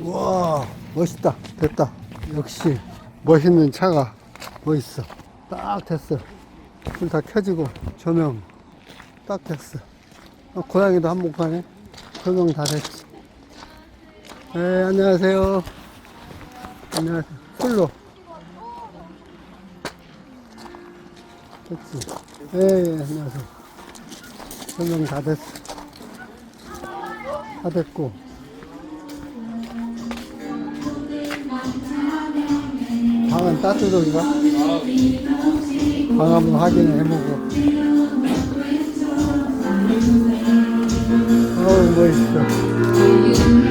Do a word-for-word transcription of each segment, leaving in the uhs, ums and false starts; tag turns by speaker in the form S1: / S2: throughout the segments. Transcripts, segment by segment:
S1: 와, 멋있다. 됐다. 역시 멋있는 차가 멋있어. 딱 됐어. 불 다 켜지고 조명 딱 됐어. 어, 고양이도 한몫하네. 조명 다 됐지. 네, 안녕하세요. 안녕하세요. 술로. 됐지. 네, 네, 안녕하세요. 조명 다 됐어. 다 됐고. 방은 따뜻한가? 방 한번 확인을 해보고. 어우, 멋있어.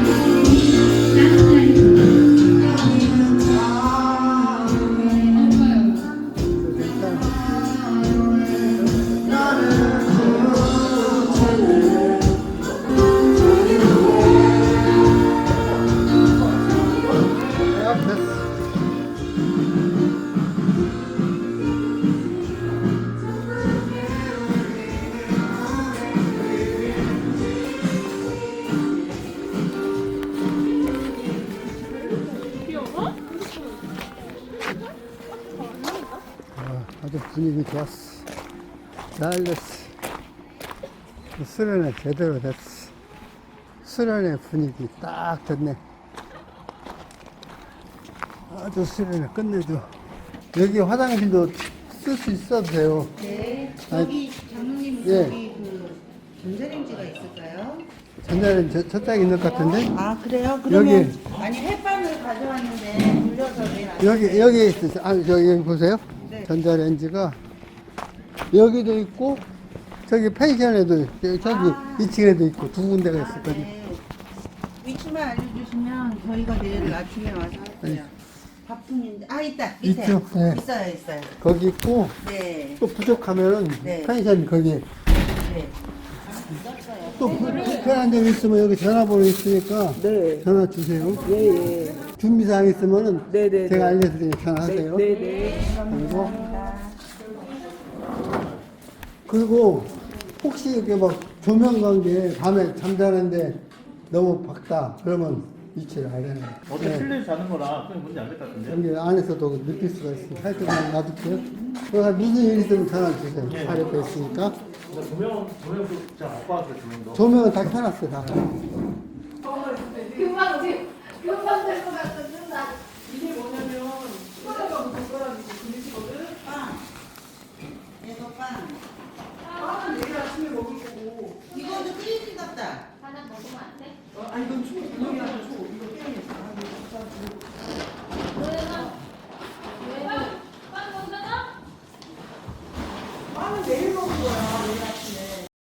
S1: 아주 분위기 좋았어. 잘 됐어. 수련회 제대로 됐어. 수련회 분위기 딱 됐네. 아주 수련회 끝내줘. 여기 화장실도 쓸 수 있어도 돼요.
S2: 네.
S1: 아니,
S2: 여기 장로님
S1: 예.
S2: 여기 그 전자레인지가 있을까요?
S1: 전자는 저, 저짝에 있는 것 같은데?
S2: 아 그래요? 그러면
S1: 여기.
S2: 아니 햇반을 가져왔는데 불려서 내일 안
S1: 여기, 여기 있어. 아, 저기 여기 보세요.
S2: 네.
S1: 전자레인지가 여기도 있고, 저기 펜션에도, 저기
S2: 아.
S1: 이 층에도 있고, 두 군데가 있었거든요.
S2: 네. 위치만 알려주시면 저희가 내일 아침에 와서 할게요. 바쁜인데 아 있다 밑에
S1: 있죠? 네.
S2: 있어요 있어요.
S1: 거기 있고,
S2: 네.
S1: 또 부족하면은
S2: 네.
S1: 펜션 거기
S2: 네.
S1: 또 부- 불편한 점 있으면 여기 전화번호 있으니까
S3: 네.
S1: 전화 주세요.
S3: 예, 예.
S1: 준비사항 있으면은
S3: 네, 네,
S1: 제가
S3: 네.
S1: 알려드리니까 전화하세요.
S3: 네, 네.
S1: 그리고 그리고 혹시 이렇게 막 조명 관계 밤에 잠자는데 너무 밝다 그러면 위치를 알려요.
S4: 어제
S1: 네.
S4: 실내에서 자는 거라 그냥 문제 안 될 것 같은데.
S1: 여기 안에서도 느낄 수가 있으니까 하여튼 그냥 놔둘게요. 그래서 무슨 일 있으면 전화 주세요. 잘 옆에 있으니까.
S4: 근데 조명, 조명도 잘못 봤어요, 조명도.
S1: 조명은 다 켜놨어요. 다.
S5: 금방 돼. 금방 될 것 같아. 준다.
S3: 이게 뭐냐면 소다가 뭐 젓가락이 그릇이거든.
S2: 빵. 이거 빵.
S3: 빵은 내일 아침에 먹을 거고.
S2: 이거도 크리스 같다.
S5: 하나 먹으면 안 돼?
S3: 어, 아 이건 초, 분명히 하는 초. 이거 깨야겠다. 아, 이거 진짜
S5: 너네는 왜? 빵 먹잖아?
S3: 빵은 내일 먹을 거야. 내일 아침에.